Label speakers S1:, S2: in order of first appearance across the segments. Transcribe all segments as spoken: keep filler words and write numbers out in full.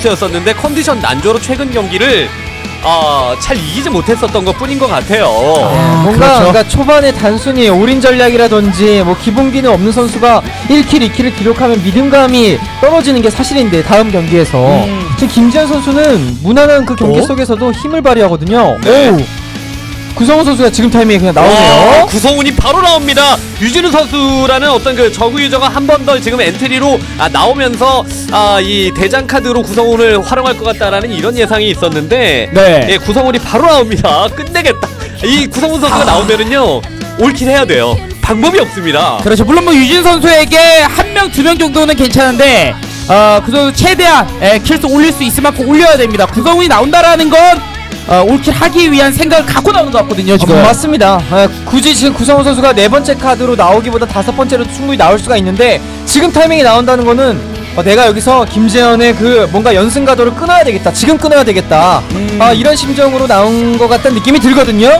S1: 선수였었는데 컨디션 난조로 최근 경기를 아, 잘 이기지 못했었던 것 뿐인 것 같아요.
S2: 아, 뭔가
S3: 그렇죠.
S2: 그러니까 초반에 단순히 올인 전략이라든지 뭐 기본기는 없는 선수가 일 킬, 이 킬을 기록하면 믿음감이 떨어지는 게 사실인데 다음 경기에서
S3: 음.
S2: 지금 김지현 선수는 무난한 그 경기
S1: 어?
S2: 속에서도 힘을 발휘하거든요.
S1: 네.
S2: 오, 구성훈 선수가 지금 타이밍에 그냥 나오네요.
S1: 와, 구성훈이 바로 나옵니다. 유진우 선수라는 어떤 그 저그 유저가 한 번 더 지금 엔트리로 아, 나오면서 아, 이 대장 카드로 구성훈을 활용할 것 같다라는 이런 예상이 있었는데
S3: 네.
S1: 예, 구성훈이 바로 나옵니다. 끝내겠다. 이 구성훈 선수가
S3: 아.
S1: 나오면은요 올킬 해야 돼요. 방법이 없습니다.
S3: 그렇죠. 물론 뭐 유진 선수에게 한 명, 두 명 정도는 괜찮은데 어, 그 선수 최대한 에, 킬수 올릴 수 있을 만큼 올려야 됩니다. 구성훈이 나온다라는 건 어, 올킬 하기 위한 생각을 갖고 나오는 것 같거든요, 지금.
S2: 어, 맞습니다. 아, 굳이 지금 구성훈 선수가 네 번째 카드로 나오기보다 다섯 번째로 충분히 나올 수가 있는데 지금 타이밍이 나온다는 거는 어, 내가 여기서 김재현의 그 뭔가 연승 가도를 끊어야 되겠다. 지금 끊어야 되겠다.
S3: 음.
S2: 아, 이런 심정으로 나온 것 같다는 느낌이 들거든요.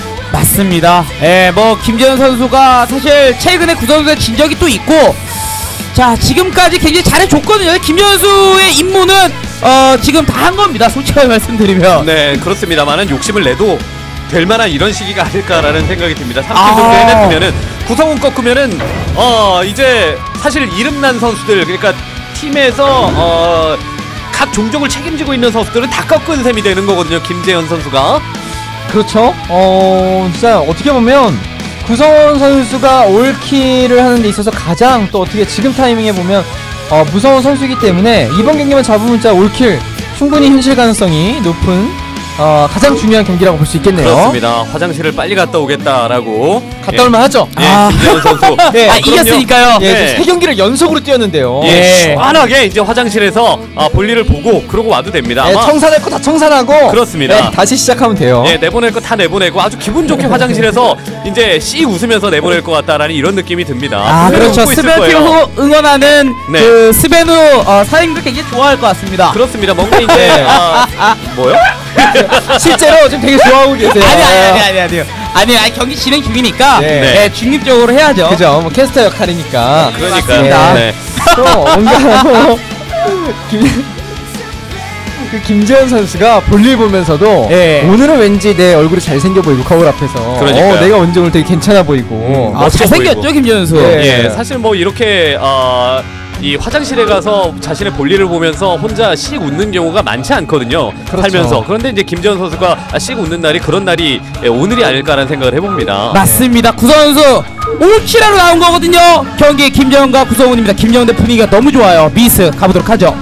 S3: 맞습니다. 예, 뭐 김재현 선수가 사실 최근에 구성수에 진 적이 또 있고, 자 지금까지 굉장히 잘해줬거든요. 김재현 선수의 임무는 어 지금 다 한 겁니다. 솔직하게 말씀드리면.
S1: 네, 그렇습니다만은 욕심을 내도 될 만한 이런 시기가 아닐까라는 생각이 듭니다. 삼 킬
S3: 아.
S1: 정도 해냈으면은 구성훈 꺾으면은 어 이제 사실 이름난 선수들 그러니까 팀에서 어 각 종족을 책임지고 있는 선수들은 다 꺾은 셈이 되는 거거든요. 김재현 선수가.
S2: 그렇죠. 어, 진짜 어떻게 보면 구성원 선수가 올킬을 하는 데 있어서 가장 또 어떻게 지금 타이밍에 보면 어, 무서운 선수이기 때문에 이번 경기만 잡으면 진짜 올킬 충분히 현실 가능성이 높은 어, 가장 중요한 경기라고 볼 수 있겠네요.
S1: 그렇습니다. 화장실을 빨리 갔다 오겠다라고.
S2: 갔다
S1: 예.
S2: 올만 하죠.
S1: 예,
S3: 아.
S1: 김재현 선수.
S2: 예,
S3: 아,
S1: 그럼요.
S3: 이겼으니까요.
S2: 예,
S1: 네.
S2: 세 경기를 연속으로 뛰었는데요.
S1: 예,
S3: 예.
S1: 시원하게 이제 화장실에서 아, 볼일을 보고 그러고 와도 됩니다.
S2: 예,
S1: 아마
S2: 청산할 거 다 청산하고
S1: 그렇습니다.
S2: 예, 다시 시작하면 돼요.
S1: 예, 내보낼 거 다 내보내고 아주 기분 좋게 화장실에서 이제 씨 웃으면서 내보낼 것 같다라는 이런 느낌이 듭니다.
S3: 아
S1: 분명히
S3: 그렇죠.
S1: 웃고 있을
S3: 스베누
S1: 거예요.
S3: 응원하는
S1: 네.
S3: 그 스베누 어, 사장님들 굉장히 좋아할 것 같습니다.
S1: 그렇습니다. 뭔가 이제
S2: 네.
S1: 아, 뭐요?
S2: 실제로 지금 되게 좋아하고 계세요.
S3: 아니 아니 아니 아니 아니요. 아니 아니 경기 진행 중이니까
S2: 네.
S3: 네. 중립적으로 해야죠.
S2: 그죠. 뭐 캐스터 역할이니까.
S1: 그러니까
S3: 맞습니다.
S1: 네.
S2: 또 뭔가 뭐 김, 그 김재현 선수가 볼일 보면서도
S3: 예.
S2: 오늘은 왠지 내 얼굴이 잘생겨 보이고 거울 앞에서
S1: 그러니까요.
S2: 어, 내가 언제 오늘 되게 괜찮아 보이고
S1: 음,
S3: 아,
S1: 멋져
S3: 잘생겼죠
S1: 보이고.
S3: 김재현 선수.
S2: 네.
S1: 예, 사실 뭐 이렇게 어, 이 화장실에 가서 자신의 볼일을 보면서 혼자 씩 웃는 경우가 많지 않거든요.
S2: 그렇죠.
S1: 살면서. 그런데 이제 김재현 선수가 아, 씩 웃는 날이 그런 날이 예, 오늘이 아닐까라는 생각을 해봅니다.
S3: 맞습니다. 구성훈 선수 올킬하러 나온 거거든요. 경기 김재현과 구성훈입니다. 김재현 대 분위기가 너무 좋아요. 미스 가보도록 하죠.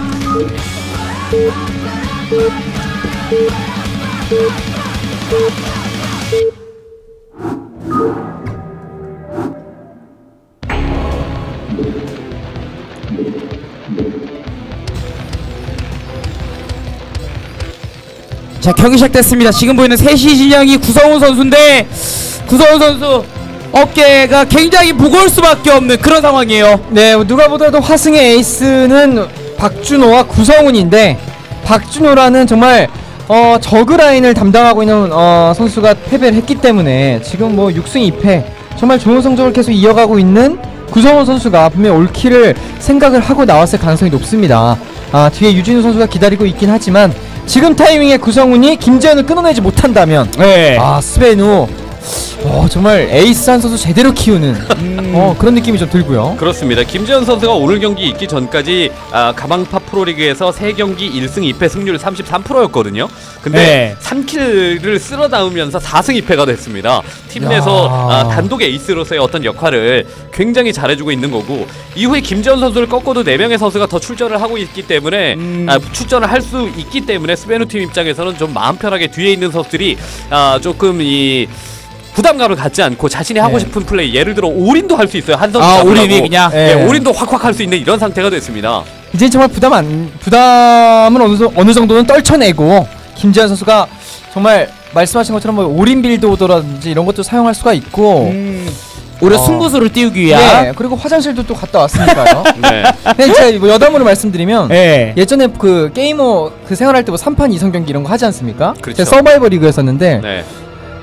S3: 자 경기 시작됐습니다. 지금 보이는 셋이 진영이 구성훈 선수인데 구성훈 선수 어깨가 굉장히 무거울 수밖에 없는 그런 상황이에요.
S2: 네, 누가 보더라도 화승의 에이스는 박준호와 구성훈인데 박준호라는 정말 어, 저그 라인을 담당하고 있는 어, 선수가 패배를 했기 때문에 지금 뭐 육 승 이 패 정말 좋은 성적을 계속 이어가고 있는 구성훈 선수가 분명 올킬을 생각을 하고 나왔을 가능성이 높습니다. 아, 뒤에 유진우 선수가 기다리고 있긴 하지만 지금 타이밍에 구성훈이 김재현을 끊어내지 못한다면
S3: 네.
S2: 아, 스베누 어, 정말 에이스 한 선수 제대로 키우는
S3: 음.
S2: 어, 그런 느낌이 좀 들고요.
S1: 그렇습니다. 김재현 선수가 오늘 경기 있기 전까지 아, 가방파 프로리그에서 세 경기 일 승 이 패 승률 삼십삼 퍼센트였거든요. 근데
S3: 네.
S1: 삼 킬을 쓸어 담으면서 사 승 이 패가 됐습니다. 팀 내서 아, 단독 에이스로서의 어떤 역할을 굉장히 잘해주고 있는 거고 이후에 김재현 선수를 꺾어도 네 명의 선수가 더 출전을 하고 있기 때문에
S3: 음.
S1: 아, 출전을 할 수 있기 때문에 스베누 팀 입장에서는 좀 마음 편하게 뒤에 있는 선수들이 아, 조금 이 부담감을 갖지 않고 자신이 하고
S2: 네.
S1: 싶은 플레이 예를 들어 올인도 할 수 있어요. 한 선수
S3: 아,
S1: 잡으라고.
S3: 올인이 그냥?
S1: 예,
S2: 네.
S1: 올인도 확확 할 수 있는 이런 상태가 됐습니다.
S2: 이제 정말 부담 안 부담은 어느, 정- 어느 정도는 떨쳐내고 김재현 선수가 정말 말씀하신 것처럼 뭐 올인 빌드오더라든지 이런 것도 사용할 수가 있고
S3: 음. 오히려
S2: 어.
S3: 승부수를 띄우기 위한.
S2: 네, 그리고 화장실도 또 갔다 왔으니까요.
S1: 네.
S2: 근데 제가 뭐 여담으로 말씀드리면
S3: 네.
S2: 예전에 그 게이머 그 생활할 때 뭐 삼 판 이 성 경기 이런 거 하지 않습니까?
S1: 그렇죠.
S2: 제가 서바이벌 리그였었는데
S1: 네.
S2: 딱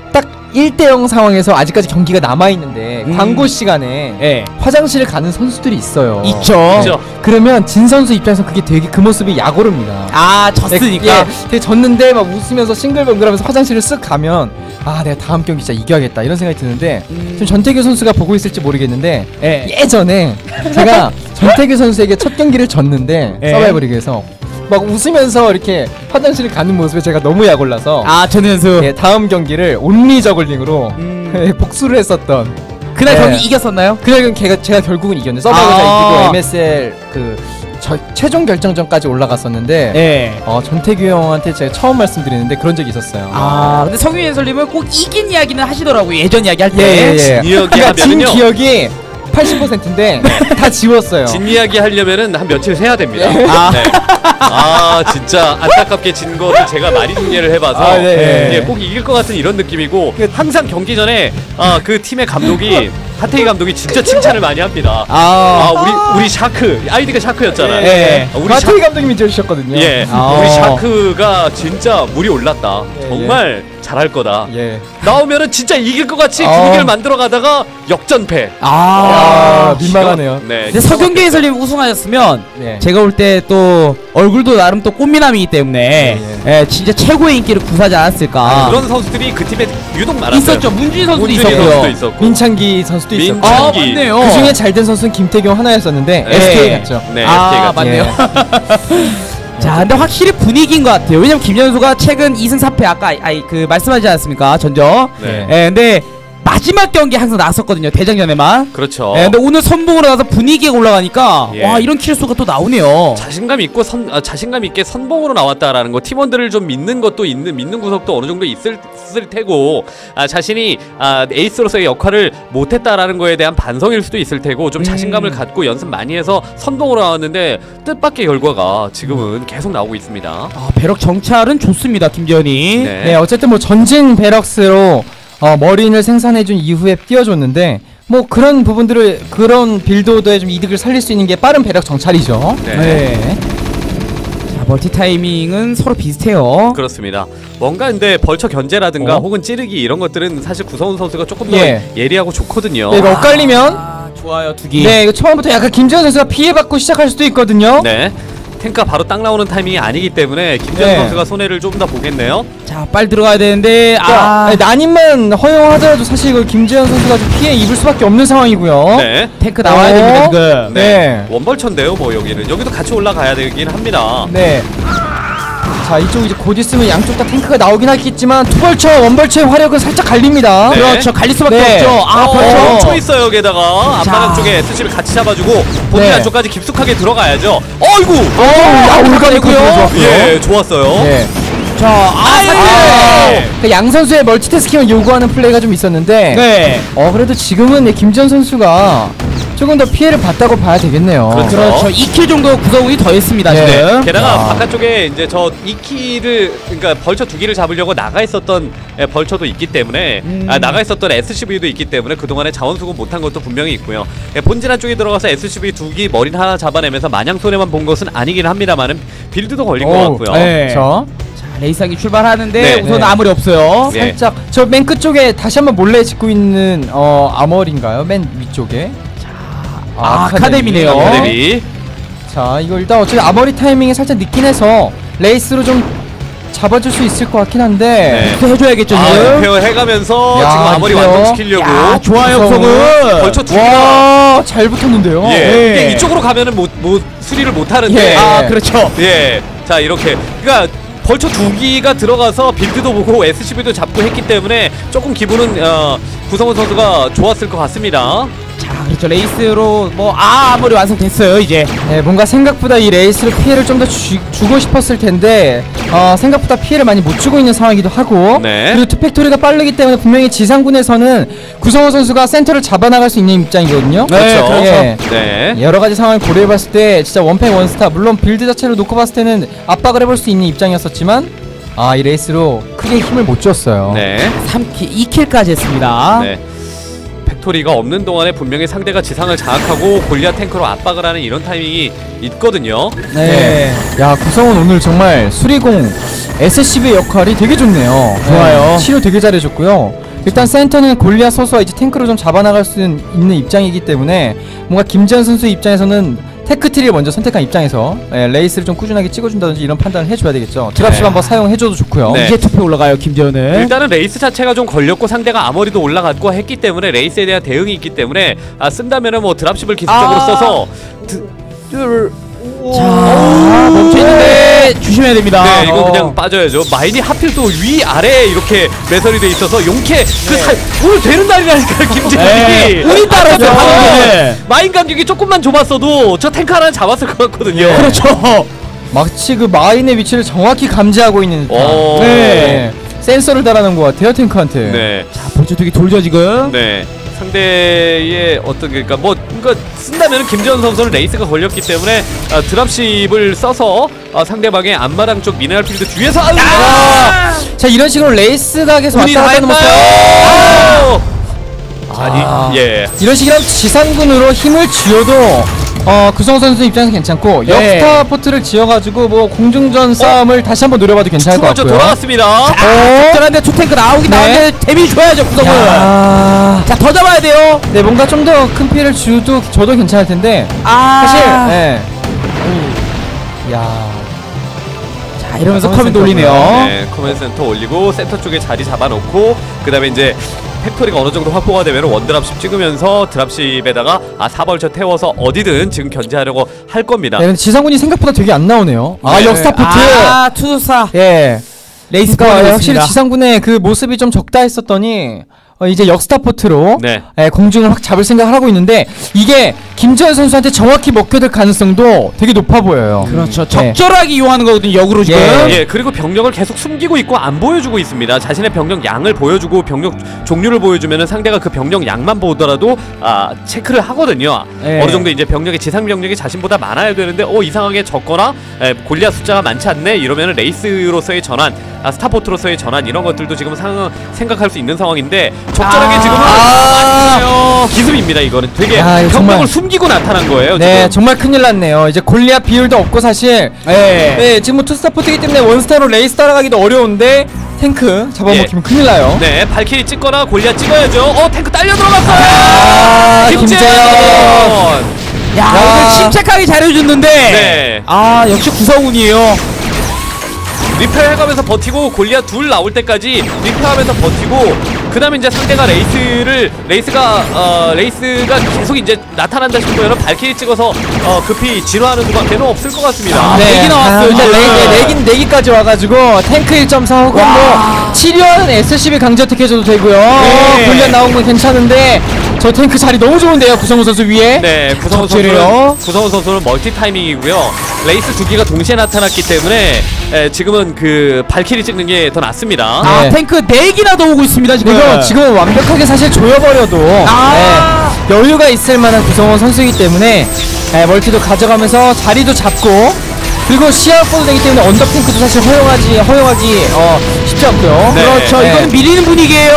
S2: 일 대 영 상황에서 아직까지 경기가 남아있는데
S3: 음.
S2: 광고 시간에
S3: 예.
S2: 화장실을 가는 선수들이 있어요.
S3: 있죠.
S1: 그죠?
S2: 그러면 진 선수 입장에서 그게 되게 그 모습이 약오릅니다.
S3: 아, 졌으니까.
S2: 예, 되게 졌는데 막 웃으면서 싱글벙글하면서 화장실을 쓱 가면 아 내가 다음 경기 진짜 이겨야겠다 이런 생각이 드는데
S3: 음.
S2: 지금 전태규 선수가 보고 있을지 모르겠는데
S3: 예.
S2: 예전에 제가 전태규 선수에게 첫 경기를 졌는데
S3: 예.
S2: 서바이벌 리그에서 막 웃으면서 이렇게 화장실을 가는 모습에 제가 너무 약올라서
S3: 아, 전현수.
S2: 예, 다음 경기를 온리 저글링으로
S3: 음.
S2: 예, 복수를 했었던
S3: 그날
S2: 예.
S3: 경기 이겼었나요?
S2: 그날 걔가 제가 결국은 이겼는데 서바이벌 잘
S3: 아.
S2: 이기고 엠에스엘 그 저, 최종 결정전까지 올라갔었는데
S3: 예.
S2: 어, 전태규 형한테 제가 처음 말씀드리는데 그런 적이 있었어요.
S3: 아, 근데 성윤 해설님은 꼭 이긴 이야기는 하시더라고요. 예전 이야기 할 때.
S2: 예, 예, 예.
S1: 이야기
S2: 그러니까 진
S1: 하면은요.
S2: 기억이 팔십 퍼센트인데 다 지웠어요.
S1: 진 이야기 하려면은 한 며칠 세야 됩니다.
S3: 아.
S1: 네. 아 진짜 안타깝게 진 것을 제가 많이 중계를 해봐서
S2: 아, 네.
S1: 예, 꼭 이길 것 같은 이런 느낌이고 항상 경기 전에 아, 그 팀의 감독이 하태희 감독이 진짜 칭찬을 많이 합니다.
S3: 아.
S1: 아 우리 우리 샤크 아이디가 샤크였잖아요.
S3: 예.
S1: 아, 우리
S2: 마태희 감독님이 지어주셨거든요.
S1: 예,
S3: 아.
S1: 우리 샤크가 진짜 물이 올랐다.
S2: 예,
S1: 정말 잘할 거다.
S2: 예.
S1: 나오면은 진짜 이길 것 같이
S2: 어.
S1: 분위기를 만들어 가다가 역전패.
S3: 아.
S2: 아, 민망하네요.
S1: 네.
S3: 근데 서경기 해설님 우승하셨으면
S2: 네.
S3: 제가 볼 때 또 얼굴도 나름 또 꽃미남이기 때문에
S2: 예,
S3: 예, 진짜 최고의 인기를 구사하지 않았을까.
S1: 그런 선수들이 그 팀에 유독 많았어요.
S3: 있었죠. 문준희 선수도
S1: 문준희
S3: 있었고요.
S1: 선수도 있었고.
S2: 민창기 선수도 있었고
S1: 민창기.
S3: 아, 맞네요.
S2: 그 중에 잘 된 선수는 김태경 하나였었는데
S1: 네.
S2: 에스케이 갔죠.
S1: 네,
S3: 아,
S1: 에스케이 같은.
S3: 맞네요. 자, 근데 확실히 분위기인 것 같아요. 왜냐면 김현수가 최근 이 승 사 패 아까 아이 그 말씀하지 않았습니까? 전적.
S1: 네.
S3: 예, 근데 마지막 경기 항상 나왔었거든요. 대장전에만.
S1: 그렇죠.
S3: 예, 근데 오늘 선봉으로 나서 분위기가 올라가니까
S1: 예.
S3: 와, 이런 킬수가 또 나오네요.
S1: 자신감 있고 선 아, 자신감 있게 선봉으로 나왔다라는 거, 팀원들을 좀 믿는 것도 있는 믿는 구석도 어느 정도 있을, 있을 테고, 아, 자신이 아, 에이스로서의 역할을 못했다라는 거에 대한 반성일 수도 있을 테고, 좀
S3: 음.
S1: 자신감을 갖고 연습 많이 해서 선봉으로 나왔는데 뜻밖의 결과가 지금은 계속 나오고 있습니다.
S3: 아, 배럭 정찰은 좋습니다. 김재현이.
S1: 네.
S2: 네, 어쨌든 뭐 전진 베럭스로 어, 머린을 생산해준 이후에 띄워줬는데 뭐 그런 부분들을 그런 빌드오더에 좀 이득을 살릴 수 있는 게 빠른 배럭 정찰이죠.
S1: 네.
S3: 네. 자, 멀티 타이밍은 서로 비슷해요.
S1: 그렇습니다. 뭔가 근데 벌처 견제라든가
S2: 어?
S1: 혹은 찌르기 이런 것들은 사실 구성훈 선수가 조금 더
S2: 예.
S1: 예리하고 좋거든요.
S2: 네, 이거 엇갈리면
S3: 아, 좋아요. 두기.
S2: 네, 이거 처음부터 약간 김재현 선수가 피해받고 시작할 수도 있거든요.
S1: 네. 탱크가 바로 딱 나오는 타이밍이 아니기 때문에 김재현
S2: 네.
S1: 선수가 손해를 좀 더 보겠네요.
S3: 자, 빨리 들어가야 되는데
S2: 아,
S3: 아,
S2: 난임만 허용하더라도 사실 이거 김재현 선수가 좀 피해 입을 수밖에 없는 상황이고요.
S1: 네.
S3: 탱크 나와야
S2: 어?
S3: 됩니다, 지금.
S2: 네.
S1: 원벌천데요, 뭐 여기는 여기도 같이 올라가야 되긴 합니다.
S2: 네. 자, 이쪽 이제 곧 있으면 양쪽 다 탱크가 나오긴 하겠지만 투벌처, 원벌처의 화력은 살짝 갈립니다.
S1: 네.
S3: 그렇죠. 갈릴 수밖에
S2: 네.
S3: 없죠. 아,
S1: 어,
S3: 벌써.
S1: 멈춰 있어요. 게다가
S3: 자.
S1: 앞마당 쪽에 에스씨를 같이 잡아주고 본인
S2: 네.
S1: 안쪽까지 깊숙하게 들어가야죠. 어이구.
S2: 어, 야, 올가리고요.
S3: 좋았고요.
S1: 예, 좋았어요.
S2: 네.
S3: 자, 아,
S2: 아, 그 양 선수의 멀티태스킹을 요구하는 플레이가 좀 있었는데
S3: 네.
S2: 어 그래도 지금은 네, 김지현 선수가 조금 더 피해를 봤다고 봐야 되겠네요.
S1: 그렇죠.
S3: 그렇죠. 이 킬 정도 구성운이 더했습니다,
S2: 네.
S3: 지금.
S1: 게다가
S2: 아.
S1: 바깥쪽에 이제 저 이 키를 그러니까 벌처 두 기를 잡으려고 나가 있었던 예, 벌처도 있기 때문에
S3: 음.
S1: 아, 나가 있었던 에스씨브이도 있기 때문에 그동안에 자원 수급 못한 것도 분명히 있고요. 예, 본진 안쪽에 들어가서 에스씨브이 두 기 머리 하나 잡아내면서 마냥 손해만 본 것은 아니긴 합니다만은 빌드도 걸린 것
S2: 어우,
S1: 같고요.
S3: 네.
S2: 저
S3: 자, 레이상이 출발하는데
S1: 네.
S3: 우선
S2: 네.
S3: 아무리 없어요.
S1: 네.
S2: 살짝 저 맨 끝쪽에 다시 한번 몰래 짓고 있는 어 아머리인가요? 맨 위쪽에.
S3: 아, 아카데미네요.
S1: 아카데미.
S2: 자, 이거 일단 어차피 아머리 타이밍이 살짝 늦긴 해서 레이스로 좀 잡아줄 수 있을 것 같긴 한데.
S1: 네.
S3: 또 해줘야겠죠,
S1: 아,
S3: 지금.
S1: 리페어 해가면서
S2: 야,
S1: 지금 아머리
S2: 리페어.
S1: 완성시키려고
S3: 야, 좋아요,
S2: 구성은.
S3: 구성은.
S1: 벌처 두 기가
S2: 와, 잘 붙었는데요.
S1: 예,
S3: 네.
S1: 이게 이쪽으로 가면은 뭐, 뭐 수리를 못 하는데
S2: 예.
S3: 아, 그렇죠.
S1: 예. 자, 이렇게. 그러니까 벌처 두 기가 들어가서 빌드도 보고 에스씨브이도 잡고 했기 때문에 조금 기분은 어, 구성원 선수가 좋았을 것 같습니다.
S3: 자, 그렇죠. 레이스로 뭐 아, 아무리 완성됐어요, 이제.
S2: 네, 뭔가 생각보다 이 레이스로 피해를 좀 더 주고 싶었을 텐데 어, 생각보다 피해를 많이 못 주고 있는 상황이기도 하고
S1: 네.
S2: 그리고 투팩토리가 빠르기 때문에 분명히 지상군에서는 구성호 선수가 센터를 잡아나갈 수 있는 입장이거든요.
S1: 그렇죠.
S2: 그렇죠. 예.
S1: 네.
S2: 여러 가지 상황을 고려해봤을 때 진짜 원팩 원스타 물론 빌드 자체를 놓고 봤을 때는 압박을 해볼 수 있는 입장이었었지만 아, 이 레이스로 크게 힘을 못 줬어요.
S1: 네.
S3: 삼 킬, 이 킬까지 했습니다.
S1: 네. 팩토리가 없는 동안에 분명히 상대가 지상을 장악하고 골리앗 탱크로 압박을 하는 이런 타이밍이 있거든요.
S2: 네. 야, 구성은 오늘 정말 수리공 에스씨브이 역할이 되게 좋네요.
S3: 좋아요.
S2: 네, 치료 되게 잘해줬고요. 일단 센터는 골리앗 소수와 이제 탱크로 좀 잡아나갈 수 있는 입장이기 때문에 뭔가 김재현 선수 입장에서는 테크트리를 먼저 선택한 입장에서 예, 레이스를 좀 꾸준하게 찍어준다든지 이런 판단을 해줘야 되겠죠. 드랍십
S1: 네.
S2: 한번 사용해줘도 좋고요.
S1: 네.
S3: 이제 투표 올라가요 김재현은.
S1: 일단은 레이스 자체가 좀 걸렸고 상대가 아머리도 올라갔고 했기 때문에 레이스에 대한 대응이 있기 때문에 아, 쓴다면은 뭐 드랍십을 기술적으로
S3: 아
S1: 써서 드, 드,
S3: 자 멈춰있는데 조심해야 됩니다.
S1: 네, 이거
S2: 어.
S1: 그냥 빠져야죠. 마인이 하필 또 위 아래 이렇게 매설이 돼 있어서 용케 그 사, 오늘 되는 날이라니까 김재현이.
S3: 네. 운이 따랐어요.
S1: 네. 마인 간격이 조금만 좁았어도 저 탱크 하나는 잡았을 것 같거든요.
S2: 네.
S3: 그렇죠.
S2: 마치 그 마인의 위치를 정확히 감지하고 있는 듯한
S1: 오.
S3: 네.
S2: 네. 센서를 달아놓은 것 같아요 탱크한테.
S1: 네.
S3: 자 볼트투기 돌죠 지금.
S1: 네. 상대의 어떤 그러니까 뭐 그러니까 쓴다면 김재현 선수는 레이스가 걸렸기 때문에 아, 드랍십을 써서 아, 상대방의 앞마당 쪽 미네랄 필드 뒤에서 아!
S2: 아! 자 이런 식으로 레이스 각에서
S1: 운이
S2: 왔다 갔다 하는 모습.
S1: 다했나요? 아니
S2: 아.
S1: 예.
S2: 이런 식이라면 지상군으로 힘을 쥐어도 어 구성 선수 입장에서 괜찮고
S3: 네.
S2: 역스타 포트를 지어가지고 뭐 공중전 싸움을 다시 한번 노려봐도 괜찮을 것
S1: 투번째
S2: 같고요.
S1: 돌아왔습니다.
S2: 어?
S3: 적절한데 투탱크 나오긴
S2: 네.
S3: 나오는데 데미지 줘야죠 구성을.
S2: 야.
S3: 자 더 잡아야 돼요.
S2: 네 뭔가 좀 더 큰 피해를 줘도 줘도 괜찮을 텐데
S3: 아
S2: 사실 예. 야.
S3: 자 이러면서
S2: 커맨
S3: 커맨 돌리네요.
S1: 네, 커맨드 센터 올리고 센터 쪽에 자리 잡아놓고 그 다음에 이제 팩토리가 어느 정도 확보가 되면 원드랍십 찍으면서 드랍십에다가 아 사벌처 태워서 어디든 지금 견제하려고 할 겁니다.
S2: 네, 근데 지상군이 생각보다 되게 안 나오네요. 아
S1: 네.
S2: 역스타 포트.
S3: 아 투사
S2: 예.
S3: 레이스
S2: 그러니까
S3: 커맨
S2: 확실히 지상군의 그 모습이 좀 적다 했었더니 어, 이제 역스타 포트로
S1: 네.
S2: 예, 공중을 확 잡을 생각을 하고 있는데 이게 김재현 선수한테 정확히 먹혀들 가능성도 되게 높아 보여요.
S3: 그렇죠.
S2: 네.
S3: 적절하게 이용하는 거거든요 역으로 지금.
S2: 예.
S1: 예, 그리고 병력을 계속 숨기고 있고 안 보여주고 있습니다. 자신의 병력 양을 보여주고 병력 종류를 보여주면은 상대가 그 병력 양만 보더라도 아 체크를 하거든요.
S3: 예.
S1: 어느 정도 이제 병력이 지상 병력이 자신보다 많아야 되는데 어 이상하게 적거나 에, 골리앗 숫자가 많지 않네 이러면은 레이스로서의 전환, 아, 스타포트로서의 전환 이런 것들도 지금 상, 생각할 수 있는 상황인데 적절하게
S3: 아.
S1: 지금은
S2: 아.
S1: 기습입니다. 이거는 되게
S2: 야, 이거
S1: 병력을
S2: 정말.
S1: 숨기고 나타난 거예요.
S2: 네
S1: 지금.
S2: 정말 큰일 났네요. 이제 골리앗 비율도 없고 사실
S3: 예.
S2: 네 지금 뭐 투스타 포트이기 때문에 원스타로 레이스 따라가기도 어려운데 탱크 잡아먹히면 큰일 나요.
S1: 네, 발키리 찍거나 골리앗 찍어야죠. 어, 탱크 딸려 들어갔어요.
S2: 아, 김재현.
S3: 야,
S2: 야.
S3: 오늘 침착하게 잘해줬는데.
S1: 네.
S3: 아 역시 구성운이에요.
S1: 리페어 해가면서 버티고 골리앗 둘 나올 때까지 리페어하면서 버티고 그 다음에 이제 상대가 레이스를 레이스가 어 레이스가 계속 이제 나타난다 싶으면 발키리 찍어서 어 급히 진화하는 수밖에는 없을 것 같습니다.
S3: 아, 내기 나왔어요,
S2: 근데
S3: 지금.
S2: 네, 네, 내긴 내기까지 와가지고 탱크 일 점 사 혹은 뭐 치료하는 에스씨비 강제어택 해줘도 되고요.
S3: 네.
S2: 골리앗 나온 건 괜찮은데 저 탱크 자리 너무 좋은데요, 구성우 선수 위에.
S1: 네, 구성훈
S2: 적절해요.
S1: 선수는 구성훈 선수는 멀티 타이밍이고요. 레이스 두 개가 동시에 나타났기 때문에 에, 지금은 그 발키리 찍는 게 더 낫습니다.
S3: 아
S2: 네.
S3: 탱크 네 기나 더 오고 있습니다 지금.
S2: 그리고 지금은 완벽하게 사실 조여버려도
S3: 아.
S2: 네, 여유가 있을 만한 구성원 선수이기 때문에 네, 멀티도 가져가면서 자리도 잡고 그리고 시야 확보도 되기 때문에 언더핑크도 사실 허용하지 허용하기 어, 쉽지 않고요.
S1: 네.
S3: 그렇죠.
S2: 네.
S3: 이건 밀리는 분위기예요.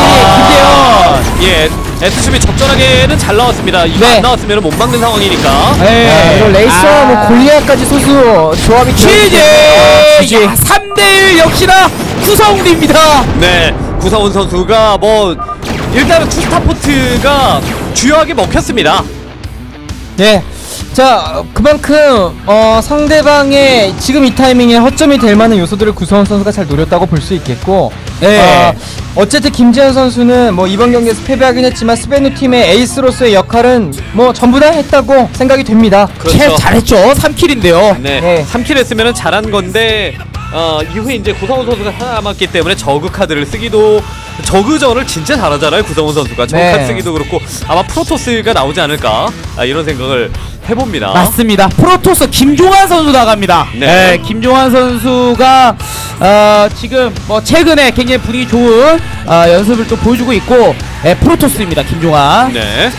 S3: 사이 김재현.
S1: 예, 에스씨비 적절하게는 잘 나왔습니다. 이거
S2: 네.
S1: 안 나왔으면 못 막는 상황이니까.
S2: 네, 그리고 레이스와
S3: 아.
S2: 뭐 골리앗까지 소수 조합이
S3: 취재.
S2: 취재.
S3: 야, 삼 대 일 역시나 구성운입니다.
S1: 네, 구성훈 선수가 뭐 일단은 투스타포트가 주요하게 먹혔습니다.
S2: 네. 자, 그만큼 어, 상대방의 지금 이 타이밍에 허점이 될 만한 요소들을 구성원 선수가 잘 노렸다고 볼 수 있겠고,
S3: 네.
S2: 어, 어쨌든 김재현 선수는 뭐 이번 경기에서 패배하긴 했지만 스베누 팀의 에이스로서의 역할은 뭐 전부 다 했다고 생각이 됩니다.
S1: 그렇죠.
S3: 채 잘했죠. 삼 킬인데요.
S1: 네,
S2: 네.
S1: 삼 킬 했으면 잘한 건데 어, 이후에 이제 구성훈 선수가 살아남았기 때문에 저그 카드를 쓰기도 저그전을 진짜 잘하잖아요. 구성훈 선수가 저그
S2: 네.
S1: 카드 쓰기도 그렇고 아마 프로토스가 나오지 않을까 아, 이런 생각을 해봅니다.
S3: 맞습니다. 프로토스 김종환 선수 나갑니다.
S1: 네.
S3: 네, 김종환 선수가 어, 지금 뭐 최근에 굉장히 분위기 좋은 어, 연습을 또 보여주고 있고 네, 프로토스입니다. 김종환.
S1: 네,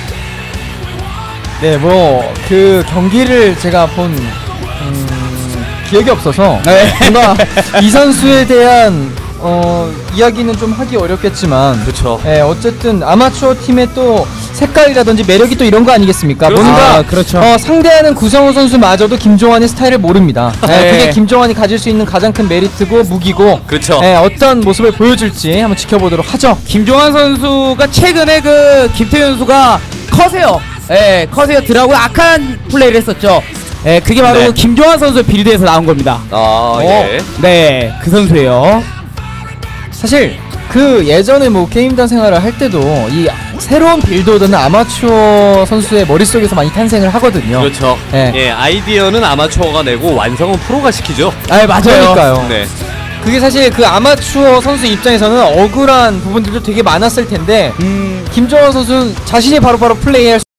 S2: 네, 뭐 그 경기를 제가 본 음, 기억이 없어서
S3: 네.
S2: 뭔가 이 선수에 대한 어, 이야기는 좀 하기 어렵겠지만
S1: 그렇죠.
S2: 예, 어쨌든 아마추어 팀의 또 색깔이라든지 매력이 또 이런 거 아니겠습니까?
S1: 그렇죠.
S2: 뭔가
S3: 아, 그렇죠.
S2: 어, 상대하는 구성훈 선수마저도 김종환의 스타일을 모릅니다. 예,
S3: 네.
S2: 그게 김종환이 가질 수 있는 가장 큰 메리트고 무기고
S1: 그렇죠.
S2: 예, 어떤 모습을 보여줄지 한번 지켜보도록 하죠.
S3: 김종환 선수가 최근에 그 김태현 선수가 커세어, 예, 커세어 드라고 악한 플레이를 했었죠. 예, 그게 바로
S1: 네.
S3: 그 김종환 선수의 빌드에서 나온 겁니다.
S1: 아, 예.
S3: 네, 그 선수예요.
S2: 사실 그 예전에 뭐 게임단 생활을 할 때도 이 새로운 빌드오더는 아마추어 선수의 머릿속에서 많이 탄생을 하거든요.
S1: 그렇죠.
S2: 예.
S1: 예, 아이디어는 아마추어가 내고 완성은 프로가 시키죠.
S3: 아, 맞아요.
S2: 그러니까요.
S1: 네.
S2: 그게 사실 그 아마추어 선수 입장에서는 억울한 부분들도 되게 많았을 텐데
S3: 음,
S2: 김종환 선수는 자신이 바로바로 플레이할